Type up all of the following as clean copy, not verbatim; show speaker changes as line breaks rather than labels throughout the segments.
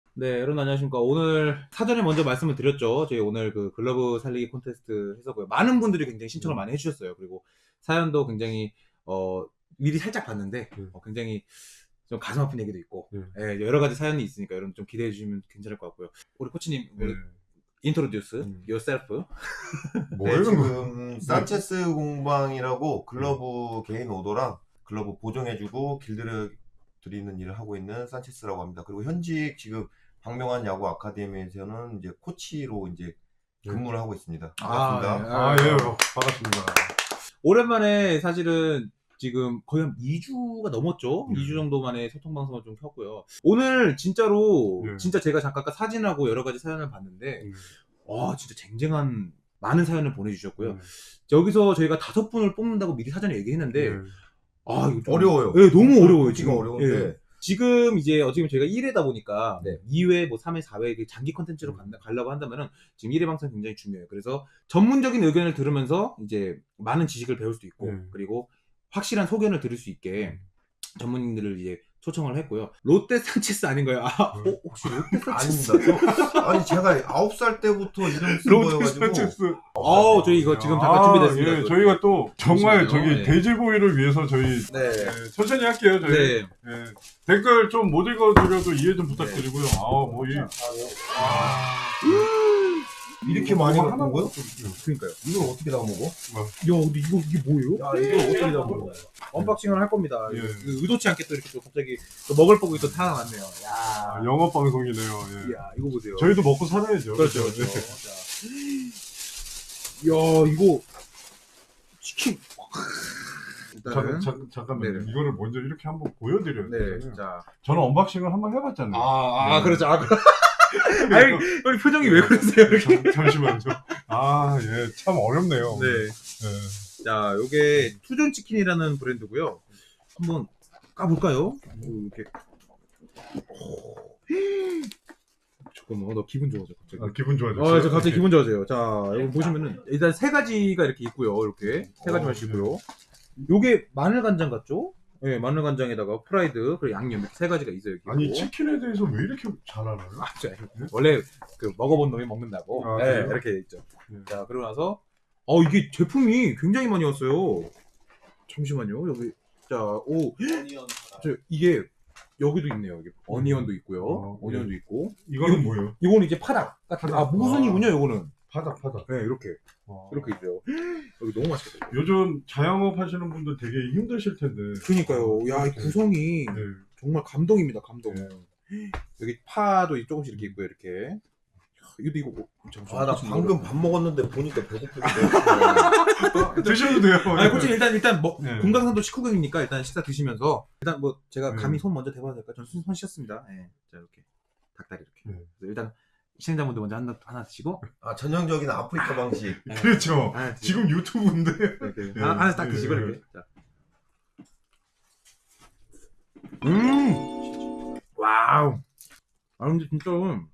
네, 여러분 안녕하십니까. 오늘 사전에 먼저 말씀을 드렸죠. 저희 오늘 그 글러브 살리기 콘테스트 해서고요. 많은 분들이 굉장히 신청을 많이 해주셨어요. 그리고 사연도 굉장히 미리 살짝 봤는데 굉장히 좀 가슴 아픈 얘기도 있고 예, 여러 가지 사연이 있으니까 여러분 좀 기대해 주시면 괜찮을 것 같고요. 우리 코치님 인트로듀스 yourself.
네, 지금 산체스 공방이라고 글러브 개인 오더랑 글러브 보정해주고 길들여 드리는 일을 하고 있는 산체스라고 합니다. 그리고 현직 지금 박명환 야구 아카데미에서는 이제 코치로 이제 근무를 하고 있습니다. 반갑습니다.
예, 반갑습니다.
오랜만에 사실은 지금 거의 한 2주가 넘었죠. 2주 정도 만에 소통 방송을 좀 켰고요. 오늘 진짜로 진짜 제가 잠깐 아까 사진하고 여러 가지 사연을 봤는데 와 진짜 쟁쟁한 많은 사연을 보내주셨고요. 여기서 저희가 5분을 뽑는다고 미리 사전에 얘기했는데 아 이거 좀
어려워요.
네, 너무 어려워요.
지금 어려운데
예. 지금 이제 어떻게 보면 저희가 1회다 보니까
네.
2회, 뭐 3회, 4회 장기 컨텐츠로 가려고 한다면은 지금 1회 방송이 굉장히 중요해요. 그래서 전문적인 의견을 들으면서 이제 많은 지식을 배울 수 있고 그리고 확실한 소견을 들을 수 있게 전문인들을 이제 초청을 했고요. 롯데 산체스 아닌가요? 혹시 롯데 산체스?
아닙니다. 아니 제가 9살 때부터 이름 쓴 거여가지고
저희 이거 지금 잠깐 준비됐습니다.
예, 저희가 또 정말
잠시만요.
저기 돼지보이를 위해서 저희 천천히 할게요. 저희
네.
예, 댓글 좀 못 읽어드려도 이해 좀 부탁드리고요.
이렇게 많이
하나
갖고 먹어요?
그러니까요.
이걸 어떻게 다 먹어?
야, 근데 이게 뭐예요?
야 이걸 어떻게 다 먹어?
언박싱을 할 겁니다.
예.
의도치 않게 또 이렇게 또 갑자기 또 먹을 복이 또 타나왔네요. 야,
영업 방송이네요. 예.
야, 이거 보세요.
저희도 먹고 살아야죠.
그렇죠.
예.
자. 야, 이거 치킨. 일단은
잠깐만요.
네네.
이거를 먼저 이렇게 한번 보여드려야 돼요.
네, 자.
저는 언박싱을 한번 해봤잖아요.
그렇죠. 아니, 우리 표정이 왜 그러세요? 이렇게?
잠시만요. 예, 참 어렵네요.
네.
예.
자, 요게 투존 치킨이라는 브랜드고요. 한번 까볼까요? 이렇게. 잠깐만, 나 기분 좋아져 갑자기.
기분 좋아졌어요.
저 갑자기 기분 좋아져요. 자, 여기 보시면은 일단 3가지가 이렇게 있고요. 이렇게 3가지만 있고요. 요게 마늘 간장 같죠? 네, 마늘 간장에다가 프라이드 그리고 양념 이렇게 3가지가 있어요. 여기
아니
있고.
치킨에 대해서 왜 이렇게 잘 알아요?
원래 그 먹어본 놈이 먹는다고. 네,
그래요?
이렇게 있죠.
네.
자, 그러고 나서 이게 제품이 굉장히 많이 왔어요. 잠시만요. 여기 이게 여기도 있네요. 여기 어니언도 있고요. 어니언도 있고.
이거는 뭐예요?
이거는 이제 파닭 같은. 무순이군요. 요거는.
파닭.
네, 이렇게 있어요. 여기 너무 맛있겠다.
요즘 자영업 하시는 분들 되게 힘드실 텐데.
그러니까요. 야, 이 구성이
네.
정말 감동입니다. 감동.
네.
여기 파도 조금씩 이렇게 있고요. 이렇게. 이거 뭐, 잠시만요.
나 방금 밥 먹었는데 보니까 배고프게
드셔도 돼요.
아니, 코치 일단
네.
금강산도 식후경이니까 일단 식사 드시면서 일단 뭐 제가 감히 손 먼저 대봐도 될까요? 저는 손 씻었습니다. 네. 자, 이렇게 닭다리 이렇게.
네.
일단 시청자분들 먼저 하나 드시고.
전형적인 아프리카 방식.
그렇죠.
하나 드시고.
지금 유튜브인데.
이렇게
네.
하나 딱 드시고
네.
이렇게. 자. 와우. 근데 진짜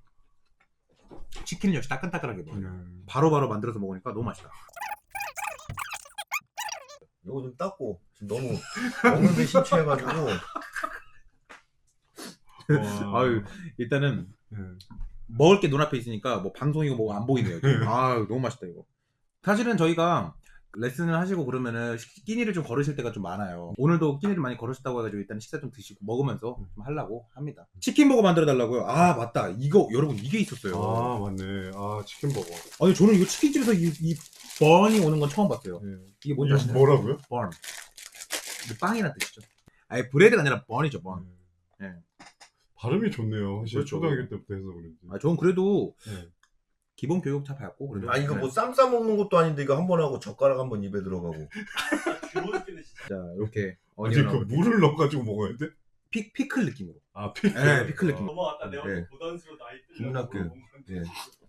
치킨은 역시 따끈따끈하게 먹어요. 바로바로 만들어서 먹으니까 너무 맛있다.
이거 좀 닦고 지금 너무 먹는데 심취해가지고.
일단은
네.
먹을 게 눈앞에 있으니까 뭐 방송이고 뭐가 안 보이네요. 너무 맛있다 이거. 사실은 저희가 레슨을 하시고 그러면은 끼니를 좀 걸으실 때가 좀 많아요. 오늘도 끼니를 많이 걸으셨다고 해가지고 일단 식사 좀 드시고 먹으면서 좀 하려고 합니다. 치킨 버거 만들어 달라고요? 맞다. 이거 여러분 이게 있었어요.
맞네. 치킨버거.
아니 저는 이거 치킨집에서 이 번이 오는 건 처음 봤어요.
네.
이게 뭔지 아시나요?
뭐라고요?
번. 브레드란 뜻이죠. 브레드가 아니라 번이죠. 번. 네.
발음이 좋네요. 사실
그렇죠.
초등학교 때부터 해서 그런지.
저는 그래도
네.
기본 교육 다 받고 그래도.
이거 뭐 쌈 싸 먹는 것도 아닌데 이거 한 번 하고 젓가락 한 번 입에 들어가고.
자 이렇게
아니 물을 넣어가지고 먹어야 돼?
피클 느낌으로.
피클.
네, 피클 느낌.
넘어갔다 내가
네.
고단수로 나이
국민학교. 예.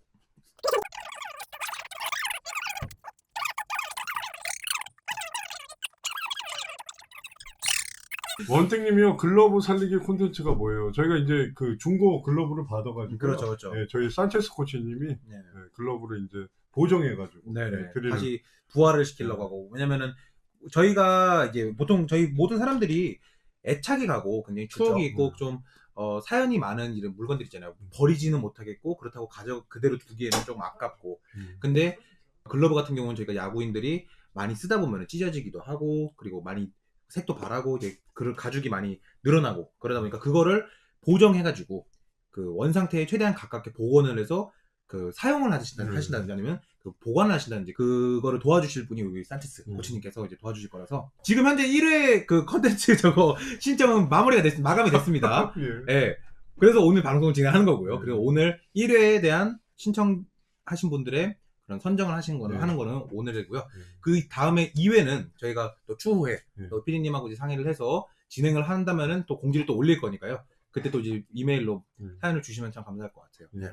원택님이요. 글러브 살리기 콘텐츠가 뭐예요? 저희가 이제 그 중고 글러브를 받아가지고.
그렇죠.
네, 저희 산체스 코치님이
네.
글러브를 이제 보정해가지고.
네네.
드리는.
다시 부활을 시키려고 하고. 왜냐면은 저희가 이제 보통 저희 모든 사람들이 애착이 가고 굉장히 추억이
그쵸.
있고 좀 사연이 많은 이런 물건들 있잖아요. 버리지는 못하겠고 그렇다고 그대로 두기에는 좀 아깝고. 근데 글러브 같은 경우는 저희가 야구인들이 많이 쓰다 보면 찢어지기도 하고 그리고 많이 색도 바라고 이제 그 가죽이 많이 늘어나고 그러다 보니까 그거를 보정해가지고 그 원상태에 최대한 가깝게 복원을 해서 그 사용을 하신다든지 아니면 그 보관을 하신다든지 그거를 도와주실 분이 우리 산체스 코치님께서 이제 도와주실 거라서 지금 현재 1회 그 컨텐츠 저거 신청은 마감이 됐습니다.
예.
예. 그래서 오늘 방송을 진행하는 거고요. 그리고 오늘 1회에 대한 신청하신 분들의 그런 선정을 하는 거는 오늘이고요. 그 다음에 2회는 저희가 또 추후에 또 피디님하고 이제 상의를 해서 진행을 한다면은 또 공지를 또 올릴 거니까요. 그때 또 이제 이메일로 사연을 주시면 참 감사할 것 같아요. 네.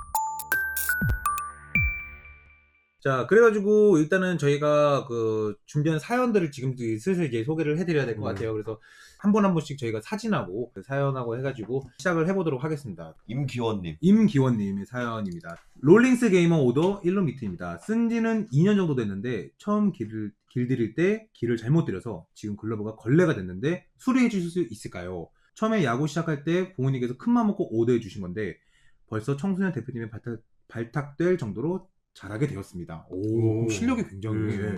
자, 그래가지고 일단은 저희가 그 준비한 사연들을 지금 슬슬 이제 소개를 해드려야 될 것 같아요. 그래서 한 번 한 번씩 저희가 사진하고 그 사연하고 해가지고 시작을 해보도록 하겠습니다. 임기원님의 사연입니다. 롤링스 게이머 오더 1로미트입니다. 쓴 지는 2년 정도 됐는데 처음 길 들일 때 길을 잘못 들여서 지금 글러브가 걸레가 됐는데 수리해 주실 수 있을까요? 처음에 야구 시작할 때 부모님께서 큰맘 먹고 오더해 주신 건데 벌써 청소년 대표님의 발탁될 정도로 잘하게 되었습니다. 오, 실력이 굉장히.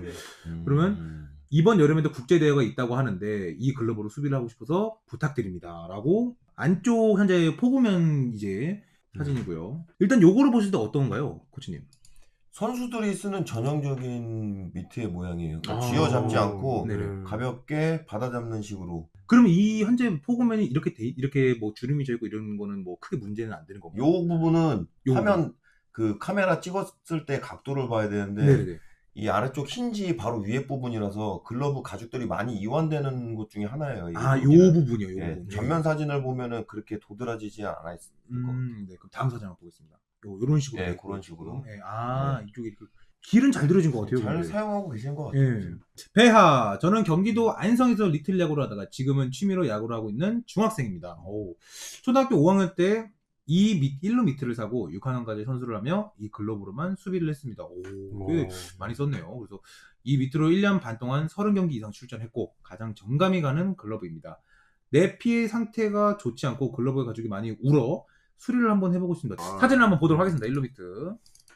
그러면 이번 여름에도 국제대회가 있다고 하는데 이 글러브로 수비를 하고 싶어서 부탁드립니다. 라고 안쪽 현재 포구면 이제 사진이고요. 일단 요거를 보실 때 어떤가요? 코치님?
선수들이 쓰는 전형적인 미트의 모양이에요. 그러니까 쥐어잡지 않고
네네.
가볍게 받아잡는 식으로.
그럼 이 현재 포구면이 이렇게 뭐 주름이 져 있고 이런 거는 뭐 크게 문제는 안 되는 건가요?
요 부분은
요
화면 그 카메라 찍었을 때 각도를 봐야 되는데
네네.
이 아래쪽 힌지 바로 위에 부분이라서 글러브 가죽들이 많이 이완되는 것 중에 하나예요.
아, 요 부분이요. 요
예,
부분.
전면 사진을 보면은 그렇게 도드라지지 않아 있을 것 같아요.
네, 그럼 다음 사진 한번 보겠습니다. 요런 식으로.
예, 그런 식으로.
네, 이쪽에 이렇게 길은 잘 들어진 것 같아요.
잘
근데.
사용하고 계신 것 같아요.
예. 배하, 저는 경기도 안성에서 리틀 야구를 하다가 지금은 취미로 야구를 하고 있는 중학생입니다. 초등학교 5학년 때 이 1루 미트를 사고 6학년까지 선수를 하며 이 글러브로만 수비를 했습니다. 꽤 많이 썼네요. 그래서 이 미트로 1년 반 동안 30경기 이상 출전했고 가장 정감이 가는 글러브입니다. 내 피의 상태가 좋지 않고 글러브의 가죽이 많이 울어 수리를 한번 해보고 있습니다. 사진을 한번 보도록 하겠습니다. 1루 미트.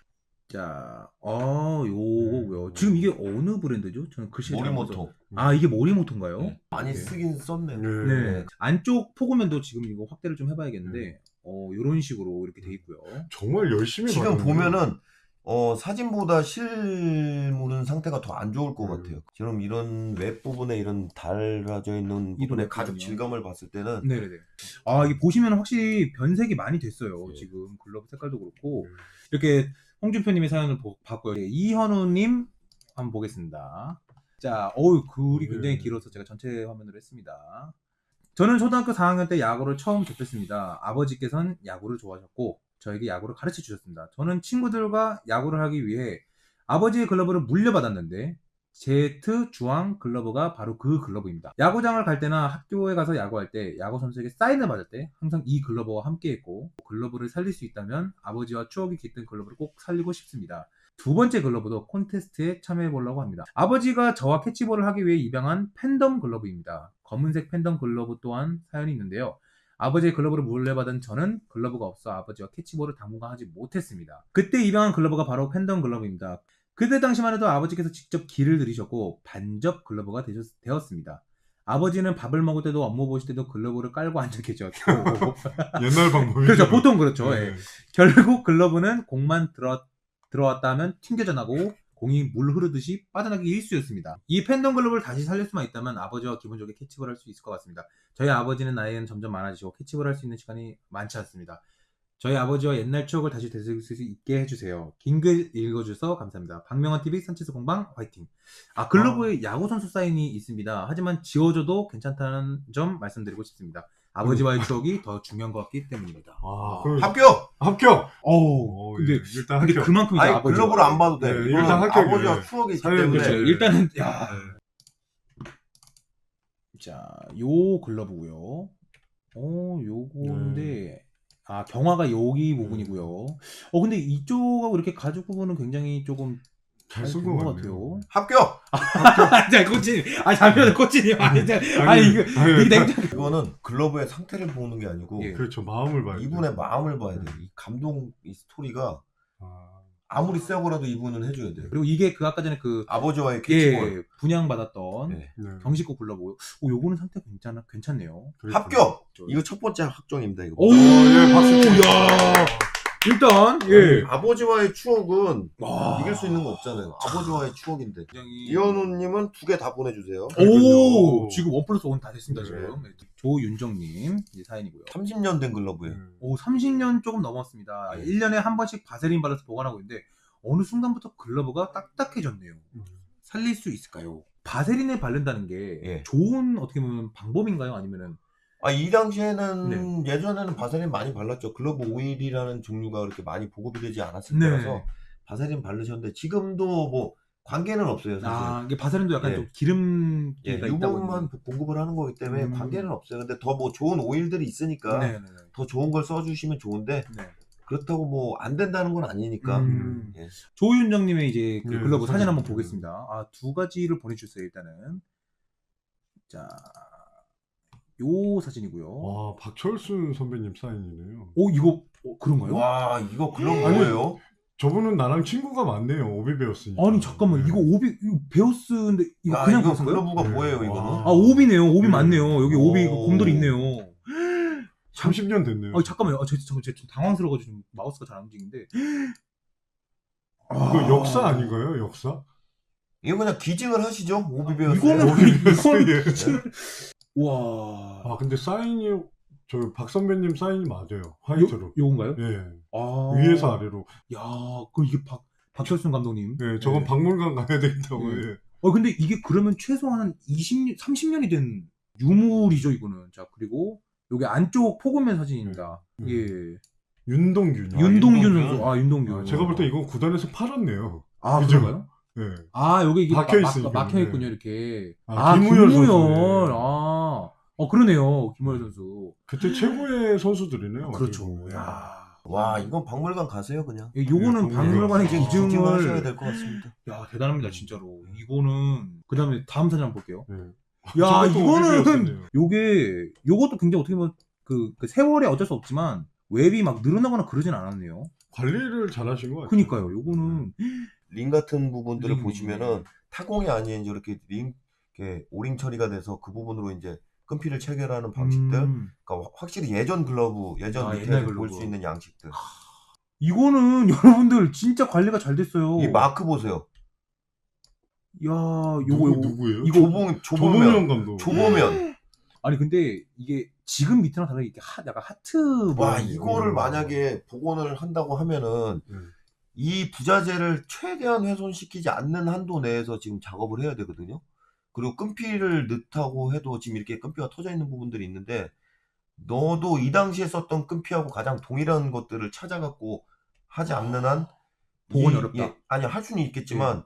자, 요거고요. 지금 이게 어느 브랜드죠? 저는 글씨
모리모토.
이게 모리모토인가요?
네. 많이
네.
쓰긴 썼네.
네. 안쪽 포구면도 지금 이거 확대를 좀 해봐야겠는데, 요런 식으로 이렇게 돼 있고요.
정말 열심히
지금
받았네요.
보면은 사진보다 실물은 상태가 더 안 좋을 것 같아요. 지금 이런 웹 부분에 이런 달라져 있는 부분의 가죽 질감을 봤을 때는
네네네. 이게 보시면 확실히 변색이 많이 됐어요.
네.
지금 글러브 색깔도 그렇고 이렇게 홍준표님의 사연을 봤고요. 이현우님 한번 보겠습니다. 자, 글이 굉장히 길어서 제가 전체 화면으로 했습니다. 저는 초등학교 4학년 때 야구를 처음 접했습니다. 아버지께서는 야구를 좋아하셨고 저에게 야구를 가르쳐 주셨습니다. 저는 친구들과 야구를 하기 위해 아버지의 글러브를 물려받았는데 제트 주황 글러브가 바로 그 글러브입니다. 야구장을 갈 때나 학교에 가서 야구할 때 야구 선수에게 사인을 받을 때 항상 이 글러브와 함께 했고 글러브를 살릴 수 있다면 아버지와 추억이 깃든 글러브를 꼭 살리고 싶습니다. 두 번째 글러브도 콘테스트에 참여해 보려고 합니다. 아버지가 저와 캐치볼을 하기 위해 입양한 팬덤 글러브입니다. 검은색 팬덤 글러브 또한 사연이 있는데요. 아버지의 글러브를 물려받은 저는 글러브가 없어 아버지와 캐치볼을 당분간 하지 못했습니다. 그때 입양한 글러브가 바로 팬덤 글러브입니다. 그때 당시만 해도 아버지께서 직접 길을 들이셨고 반접 글러브가 되었습니다. 아버지는 밥을 먹을 때도 업무 보실 때도 글러브를 깔고 앉아 계셨고
옛날 방법이죠.
그렇죠. 보통 그렇죠.
네.
예. 결국 글러브는 공만 들어왔다 하면 튕겨져 나고 공이 물 흐르듯이 빠져나기 일쑤였습니다. 이 팬덤 글러브를 다시 살릴 수만 있다면 아버지와 기분 좋게 캐치볼 할 수 있을 것 같습니다. 저희 아버지는 나이는 점점 많아지고 캐치볼 할 수 있는 시간이 많지 않습니다. 저희 아버지와 옛날 추억을 다시 되새길 수 있게 해주세요. 긴 글 읽어주셔서 감사합니다. 박명환TV 산체스 공방 화이팅. 글러브에 야구선수 사인이 있습니다. 하지만 지워줘도 괜찮다는 점 말씀드리고 싶습니다. 아버지와의 추억이 더 중요한 것 같기 때문입니다.
합격!
근데,
예, 일단 합격.
그만큼 이제
아니 글러브를 안 봐도 돼.
네,
이거는
일단 합격이에요.
아버지와 추억이 있기
사연
때문에.
그렇죠.
네.
일단은
네.
자, 요 글러브고요. 요건데 경화가 여기 부분이고요. 근데 이쪽하고 이렇게 가죽 부분은 굉장히 조금
잘 쓴 것 같아요.
합격!
자, 코치님. 잠시만요, 코치님. 아니, 이거 냉장.
이거는 글러브의 상태를 보는 게 아니고
예.
그렇죠. 마음을 봐야 돼.
이분의 마음을 봐야 돼. 이 감동, 이 스토리가 아무리 세고라도 이분은 해줘야 돼.
그리고 이게 그 아까 전에 그
아버지와의 캐치볼.
예, 분양받았던
네.
네.
경식고 글러브. 요거는 상태 괜찮네요.
그렇죠.
합격! 이거 첫 번째 확정입니다. 이거.
오,
예, 박수
야. 일단 예.
아버지와의 추억은
와.
이길 수 있는 거 없잖아요. 아버지와의 추억인데.
굉장히
이현우님은 2개 다 보내주세요.
오, 지금 1+1 다 됐습니다,
네.
지금. 조윤정님 이제 사연이고요.
30년 된 글러브예요.
오, 30년 조금 넘었습니다.
네.
1년에 한 번씩 바세린 발라서 보관하고 있는데 어느 순간부터 글러브가 딱딱해졌네요. 살릴 수 있을까요? 바세린을 바른다는 게
예.
좋은 어떻게 보면 방법인가요? 아니면은
이 당시에는 예전에는 바세린 많이 발랐죠. 글러브 오일이라는 종류가 그렇게 많이 보급이 되지 않았을
네.
때라서 바세린 바르셨는데 지금도 뭐 관계는 없어요. 사실.
이게 바세린도 약간
예.
좀 기름기가 있다고
유분만 공급을 하는 거기 때문에
음.
관계는 없어요. 근데 더 뭐 좋은 오일들이 있으니까
네, 네, 네.
더 좋은 걸 써주시면 좋은데
네.
그렇다고 뭐 안 된다는 건 아니니까. 예.
조윤정님의 이제 그
네,
글러브 사진 한번
사진.
보겠습니다. 두 가지를 보내주셨어요. 일단은 자, 요 사진이고요.
와, 박철순 선배님 사인이네요.
오, 이거 그런가요?
와 이거 글러브
아니,
뭐예요?
저분은 나랑 친구가 많네요. 오비 배웠으니까.
아니 잠깐만, 이거 오비 이거 베어스인데 이거 그냥
이거
베어스인 거예요?
글러브가
네.
뭐예요 이거는?
오비네요. 오비
네.
맞네요. 여기 오비 그
오.
곰돌이 있네요.
30년 됐네요.
잠깐만요. 저 좀 당황스러워가지고 지금 마우스가 잘 안 움직이는데.
이거 역사 아닌가요? 역사?
이거 그냥 기증을 하시죠. 오비 배웠어요.
이거는
예.
와.
근데 사인이 저 박 선배님 사인이 맞아요. 화이트로.
요건가요?
예.
아.
위에서 아래로.
야, 그 이게 박철순 감독님.
예, 저건
네.
박물관 가야 되겠다고.
네.
예.
근데 이게 그러면 최소한 30년이 된 유물이죠, 이거는. 자, 그리고 여기 안쪽 포근면 사진입니다.
네.
예.
윤동균.
윤동균
윤동균.
선수. 윤동균.
제가 볼 때 이건 구단에서 팔았네요.
그죠? 그런가요?
예.
여기 이게
박혀 있으니까.
막혀있군요, 이렇게.
김우열 선수.
김우열. 그러네요, 김우열 선수.
그때 최고의 선수들이네요.
그렇죠.
그리고.
야.
와 이건 박물관 가세요 그냥.
요거는
네,
박물관의
기증하셔야
기증을.
될 것 같습니다.
야, 대단합니다, 진짜로. 이거는. 그 다음에 다음 사진 한번 볼게요.
예.
야,
저것도
이거는
오비였었네요.
요것도 굉장히 어떻게 보면 그 세월에 어쩔 수 없지만 웹이 막 늘어나거나 그러진 않았네요.
관리를 잘하신 것 같아요.
그니까요. 요거는
링 같은 부분들을
링.
보시면은 타공이 아닌 이렇게 링 이렇게 오링 처리가 돼서 그 부분으로 이제 끈피를 체결하는 방식들. 그러니까 확실히 예전 글러브, 예전
옛날
리테일을
글러브.
볼 수 있는 양식들.
이거는 여러분들 진짜 관리가 잘 됐어요.
이 마크 보세요.
야,
누구,
요거
누구예요?
이거
조보면 감독.
조보면.
아니 근데 이게 지금 밑이랑 다르게 이렇게 약간 하트
와
모양이에요.
이거를 만약에 복원을 한다고 하면은 이 부자재를 최대한 훼손시키지 않는 한도 내에서 지금 작업을 해야 되거든요. 그리고 끈피를 넣다고 해도 지금 이렇게 끈피가 터져 있는 부분들이 있는데 너도 이 당시에 썼던 끈피하고 가장 동일한 것들을 찾아갖고 하지 않는 한
복원이 어렵다.
아니 할 수는 있겠지만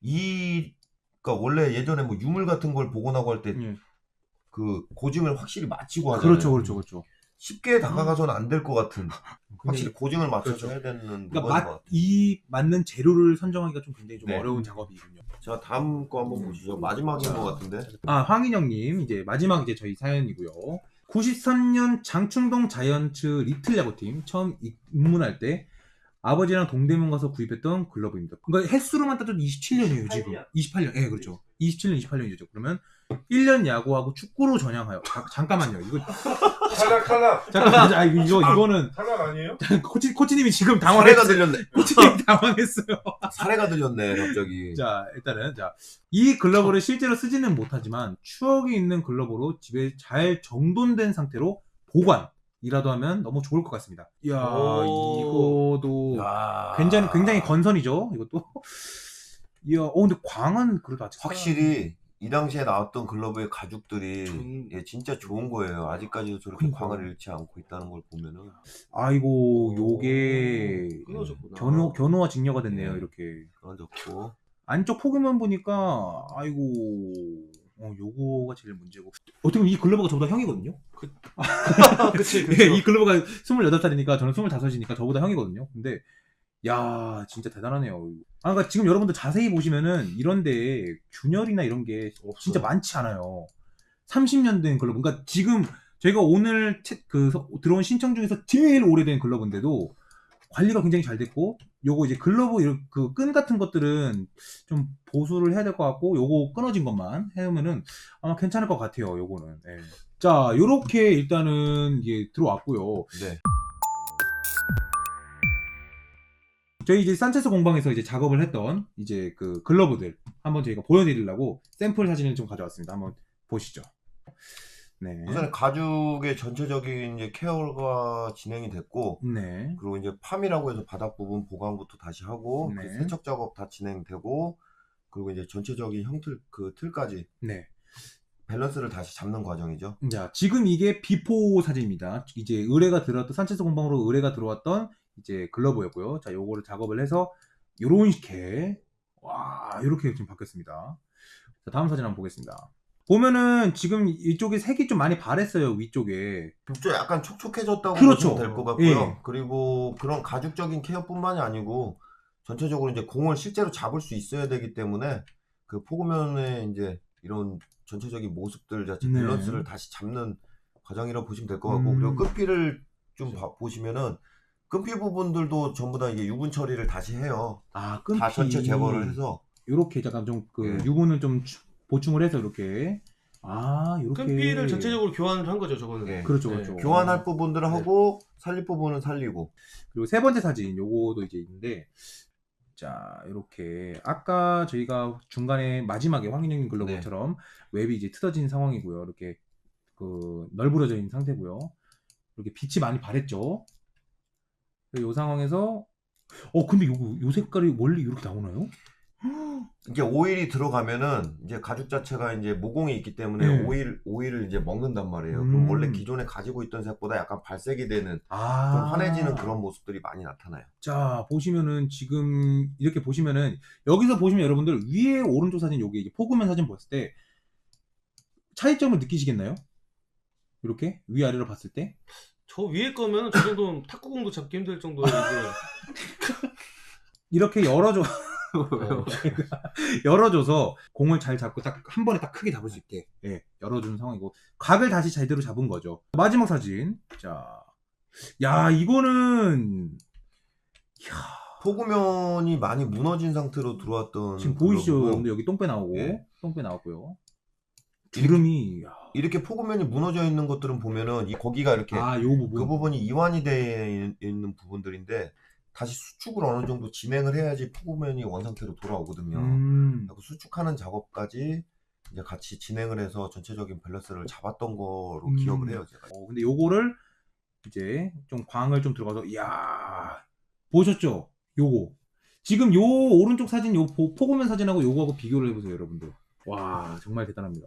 그러니까 원래 예전에 뭐 유물 같은 걸 복원하고 할 때 그 고증을 확실히 마치고 하잖아요.
그렇죠.
쉽게 다가가서는 안 될 것 같은 확실히 고증을 맞춰서
그렇죠.
해야 되는 부분인 것
그러니까
같아요.
이 맞는 재료를 선정하기가 좀 굉장히 좀
네.
어려운 작업이군요.
자 다음 거 한번 보시죠. 마지막인 것 같은데.
황인영님 이제 마지막 이제 저희 사연이고요. 93년 장충동 자이언츠 리틀 야구팀 처음 입문할 때 아버지랑 동대문 가서 구입했던 글러브입니다. 그러니까 횟수로만 따져도 27년이에요 지금. 28년. 예, 그렇죠. 27년, 28년이죠. 그러면 1년 야구하고 축구로 전향하여. 잠깐만요. 이거
탈락.
잠깐만. 이거는
탈락 아니에요?
코치님이 지금
사례가
당황했어요.
들렸네.
코치님이 당황했어요.
사례가 들렸네 갑자기.
자, 일단은 이 글러브를 실제로 쓰지는 못하지만 추억이 있는 글러브로 집에 잘 정돈된 상태로 보관이라도 하면 너무 좋을 것 같습니다. 이야, 이거도
야.
굉장히 건선이죠. 이것도. 이야, 근데 광은 그래도 아직
확실히 이 당시에 나왔던 글러브의 가죽들이 진짜 좋은 거예요. 아직까지도 저렇게
그러니까요.
광을 잃지 않고 있다는 걸 보면은.
아이고, 요게
끊어졌구나.
견우와 직녀가 됐네요.
네.
이렇게
끊어졌고.
안쪽 포기만 보니까 아이고. 요거가 제일 문제고. 어떻게 보면 이 글러브가 저보다 형이거든요?
그치.
예, 이 글러브가 28살이니까 저는 25이니까 저보다 형이거든요. 근데 야, 진짜 대단하네요. 아, 그러니까 지금 여러분들 자세히 보시면은 이런데 균열이나 이런 게 진짜 많지 않아요. 30년 된 글러브. 그러니까 지금 저희가 오늘 들어온 신청 중에서 제일 오래된 글러브인데도 관리가 굉장히 잘 됐고, 요거 이제 글러브 그 끈 같은 것들은 좀 보수를 해야 될 것 같고, 요거 끊어진 것만 해오면은 아마 괜찮을 것 같아요. 요거는. 예. 자, 요렇게 일단은 이게 들어왔고요.
네.
저희 이제 산체스 공방에서 이제 작업을 했던 이제 그 글러브들 한번 저희가 보여드리려고 샘플 사진을 좀 가져왔습니다. 한번 보시죠. 네.
우선 가죽의 전체적인 이제 케어가 진행이 됐고,
네.
그리고 이제 팜이라고 해서 바닥 부분 보강부터 다시 하고,
네.
그 세척 작업 다 진행되고, 그리고 이제 전체적인 형틀 그 틀까지
네.
밸런스를 다시 잡는 과정이죠.
자, 지금 이게 비포 사진입니다. 이제 의뢰가 들어왔던 산체스 공방으로 의뢰가 들어왔던 이제 글러브였고요. 자, 요거를 작업을 해서 요런 식의 와, 요렇게 지금 바뀌었습니다. 자, 다음 사진 한번 보겠습니다. 보면은 지금 이쪽에 색이 좀 많이 바랬어요. 위쪽에.
좀 약간 촉촉해졌다고
그렇죠.
보시면 될 것 같고요.
예.
그리고 그런 가죽적인 케어뿐만이 아니고 전체적으로 이제 공을 실제로 잡을 수 있어야 되기 때문에 그 포구면의 이제 이런 전체적인 모습들 자체
네.
밸런스를 다시 잡는 과정이라고 보시면 될 것 같고, 그리고 끈피를 좀 보시면은 끈피 부분들도 전부 다 이게 유분 처리를 다시 해요.
아, 끈피.
다 전체 제거를 해서
요렇게 잠깐 좀 그
예.
유분을 좀 보충을 해서 이렇게. 아, 요렇게.
끈피를 전체적으로 교환을 한 거죠, 저거는.
예.
그렇죠,
네.
그렇죠.
교환할 부분들을 하고 살릴 부분은 살리고.
그리고 세 번째 사진 요거도 이제 있는데, 자, 이렇게 아까 저희가 중간에 마지막에 황인영님 글러브처럼 웹이 이제 뜯어진 상황이고요. 이렇게 그 널브러져 있는 상태고요. 이렇게 빛이 많이 바랬죠. 이 상황에서 근데 요 색깔이 원래 이렇게 나오나요?
이제 오일이 들어가면은 이제 가죽 자체가 이제 모공이 있기 때문에
네.
오일을 이제 먹는단 말이에요. 그럼 원래 기존에 가지고 있던 색보다 약간 발색이 되는 좀 환해지는 그런 모습들이 많이 나타나요.
자, 보시면은 지금 이렇게 보시면은 여기서 보시면 여러분들 위에 오른쪽 사진 여기 이제 포그면 사진 봤을 때 차이점을 느끼시겠나요? 이렇게 위아래로 봤을 때?
저 위에 거면 저 정도는 탁구공도 잡기 힘들 정도의
이렇게 열어줘. 열어줘서 공을 잘 잡고 딱 한 번에 딱 크게 잡을 수 있게 열어주는 상황이고, 각을 다시 제대로 잡은 거죠. 마지막 사진. 자, 야, 이거는
포구면이 많이 무너진 상태로 들어왔던
지금 보이시죠?
글러브고,
여러분들 여기 똥배 나오고
예.
똥배 나왔고요. 주름이
이렇게 포구면이 무너져 있는 것들은 보면은 거기가 이렇게
요 부분.
그 부분이 이완이 되어 있는 부분들인데 다시 수축을 어느 정도 진행을 해야지 포구면이 원상태로 돌아오거든요. 그리고 수축하는 작업까지 이제 같이 진행을 해서 전체적인 밸런스를 잡았던 거로 기억을 해요, 제가.
근데 요거를 이제 좀 광을 좀 들어가서, 이야, 보셨죠? 요거 지금 요 오른쪽 사진 요 포그면 사진하고 요거하고 비교를 해보세요, 여러분들. 와, 정말 대단합니다.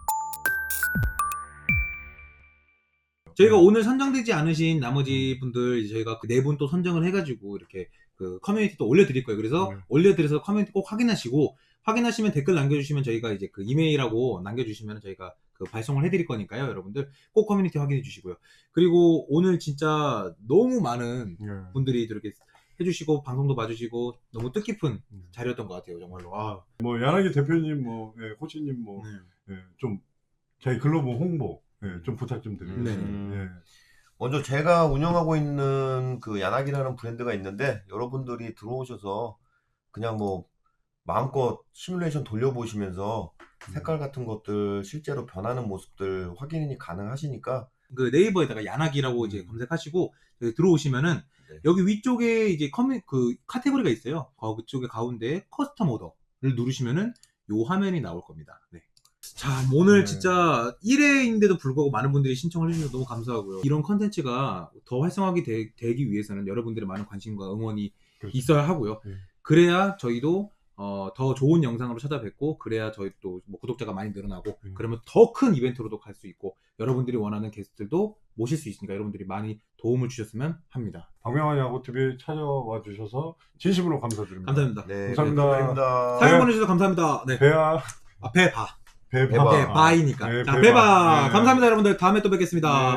저희가 오늘 선정되지 않으신 나머지 분들 저희가 네 분 또 선정을 해가지고 이렇게 그 커뮤니티 또 올려드릴 거예요. 그래서 올려드려서 커뮤니티 꼭 확인하시고, 확인하시면 댓글 남겨주시면 저희가 이제 그 이메일하고 남겨주시면 저희가 그 발송을 해드릴 거니까요. 여러분들 꼭 커뮤니티 확인해 주시고요. 그리고 오늘 진짜 너무 많은 분들이 이렇게 해주시고 방송도 봐주시고 너무 뜻깊은 자리였던 것 같아요, 정말로.
뭐 야나기 대표님, 코치님 좀 저희 글로브 홍보 좀 부탁 좀 드리겠습니다.
먼저 제가 운영하고 있는 그 야나기라는 브랜드가 있는데, 여러분들이 들어오셔서 그냥 뭐 마음껏 시뮬레이션 돌려보시면서 색깔 같은 것들 실제로 변하는 모습들 확인이 가능하시니까
그 네이버에다가 야나기라고 이제 검색하시고 여기 들어오시면은 여기 위쪽에 이제 그 카테고리가 있어요. 그쪽에 가운데 커스텀 오더를 누르시면은 요 화면이 나올 겁니다. 네. 자, 오늘 진짜 1회인데도 불구하고 많은 분들이 신청을 해주셔서 너무 감사하고요. 이런 컨텐츠가 더 활성화가 되기 위해서는 여러분들의 많은 관심과 응원이 있어야 하고요. 그래야 저희도 더 좋은 영상으로 찾아뵙고, 그래야 저희 또 뭐 구독자가 많이 늘어나고, 그러면 더 큰 이벤트로도 갈 수 있고, 여러분들이 원하는 게스트들도 모실 수 있으니까 여러분들이 많이 도움을 주셨으면 합니다.
박명환 야구TV에 찾아와 주셔서 진심으로 감사드립니다.
감사합니다.
네,
감사합니다.
사연 보내주셔서 감사합니다. 네.
배바이니까.
배바이니까. 자, 배바. 감사합니다, 여러분들. 다음에 또 뵙겠습니다.